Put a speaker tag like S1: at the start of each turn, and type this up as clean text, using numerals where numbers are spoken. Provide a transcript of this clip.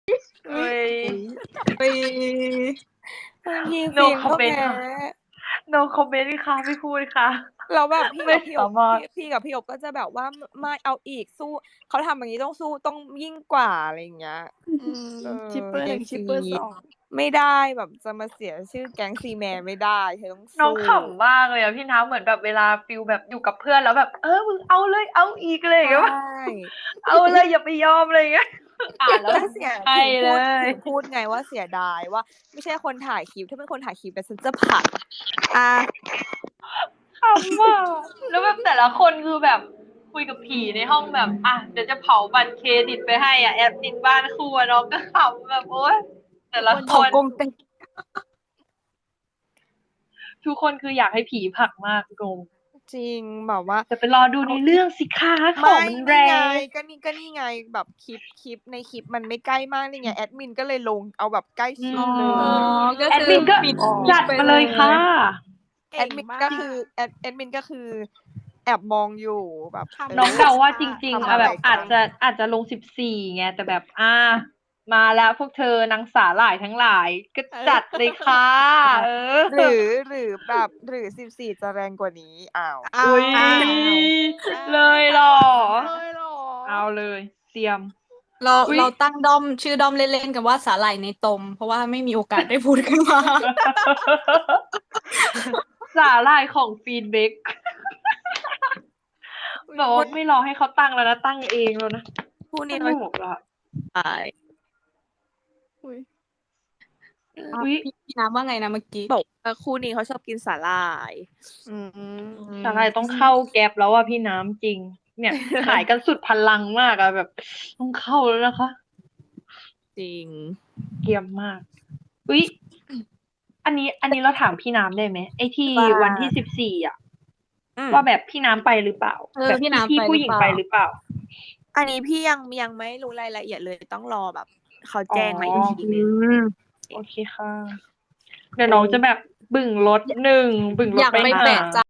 S1: เอ้ย
S2: ไป
S3: พี่
S1: no
S3: ฟิล์มก็
S1: comment
S3: แพ้
S1: ค่ะ no comment ค่ะไม่พูดค่ะ
S3: แล้วแบบพี่
S1: ไม่
S3: กับพี่อบ
S1: สามารถ
S3: พี่กับพี่อบก็จะแบบว่าไม่เอาอีกสู้เขาทำอย่างนี้ต้องสู้ต้องยิ่งกว่าอะไรอย่างเงี้ย
S2: ชิปเปอร์หนึ่งชิปเปอร์สอง
S3: ไม่ได้แบบจะมาเสียชื่อแก๊งซีแมนไม่ได้เธอต้อง
S1: น้อง
S3: สู้
S1: ขำมากเลยอะพี่น้ำเหมือนแบบเวลาฟิลแบบอยู่กับเพื่อนแล้วแบบมึงเอาเลยเอาอีกเลยอย่าง
S3: ใช่
S1: เงี้ยเอาเลยอย่าไปยอมเลยอย่างเงี้ยอ่านแล้ว
S3: แต่เสีย
S1: ใช่
S3: ถึง
S1: เล
S3: พูด
S1: ย
S3: ถึงพูดไงว่าเสียดายว่า ไม่ใช่คนถ่ายคลิปถ้าเป็นคนถ่ายคลิปแต่ฉันจะผลักอ่ะ
S1: ขำว่ะแล้วแบบแต่ละคนคือแบบคุยกับผีในห้องแบบเดี๋ยวจะเผาบัตรเครดิตไปให้แอดมินบ้านครัวน้องก็ขำแบบโอ๊ยแต่ละค
S2: เขา
S1: น
S2: กงเต็ง
S1: ทุกคนคืออยากให้ผีผลักมากกง
S3: จริงแบบว่า
S1: แต่ไปรอดูในเรื่องสิคะข
S3: ไม่
S1: องมันแร
S3: นี่ไง
S1: ง
S3: ก็นี่ไงแบบคลิปในคลิปมันไม่ใกล้มากนี่ไงแอดมินก็เลยลงเอาแบบใกล้ชิด
S2: อ๋อ
S3: เลย
S2: ก็
S1: แอด
S2: คือ
S1: มินก็
S2: ปิด
S1: จัดมาเลยค่ะ
S3: แอดมินก็คือแอดมินก็คือแอบมองอยู่แบบ
S1: น้องเดาว่าจริง
S3: ทำ
S1: ๆ
S3: อะไร
S1: แบบ
S3: กัน
S1: อาจจะลง14ไงแต่แบบมาแล้วพวกเธอนางสาหร่ายทั้งหลายก็จัดเลยค่ะ
S3: หรือแบบหรือ14จะแรงกว่านี้อ้าว
S1: อุ้ย
S2: อ้าว
S1: เลยเหรอ
S2: เลยเหรอ
S1: เอาเลย เตรียม
S2: เรา
S1: อุ๊ย
S2: เราตั้งด้อมชื่อด้อมเล่นๆกันว่าสาหร่ายในตม เพราะว่าไม่มีโอกาสได้พูดขึ้นมา
S1: สาหร่ายของฟีดเบกแบบว่าไม่รอให้เขาตั้งแล้วนะตั้งเองแล้วนะ
S3: คู่
S1: ส
S3: นี้
S1: นุกอะ
S3: ตาย
S1: อุ๊ย
S2: พี่น้ำว่าไงนะเมื่อกี้
S3: บอกว่าคู่นี้เขาชอบกินสาหร่าย
S1: สาหร่ายต้องเข้าแก๊ปแล้วอะพี่น้ำจริง เนี่ย ขายกันสุดพลังมากอะแบบ ต้องเข้าแล้วนะคะ
S3: จริง
S1: เกรียมมากอุ๊ยอันนี้เราถามพี่น้ำได้ไหมไอ้ที่
S2: ว่า
S1: วันที่14อะ
S3: อืม
S1: ว่าแบบพี่น้ำไปหรือเปล่า แบบ
S2: พี่น้ำ
S1: พี่
S2: ไป
S1: ผู้หญิง
S2: หรือ
S1: ไป
S2: เปล่า
S1: หรือเปล่า
S3: อันนี้พี่ยังไม่รู้รายละเอียดเลยต้องรอแบบเขาแจ้งมาอีกทีนึง
S1: โอเคค่ะ เดี๋ยวน้องจะแบบบึ่งรถบึ่งรถ
S2: อยาก
S1: ไป
S2: ไป
S1: หา
S2: แปะใจ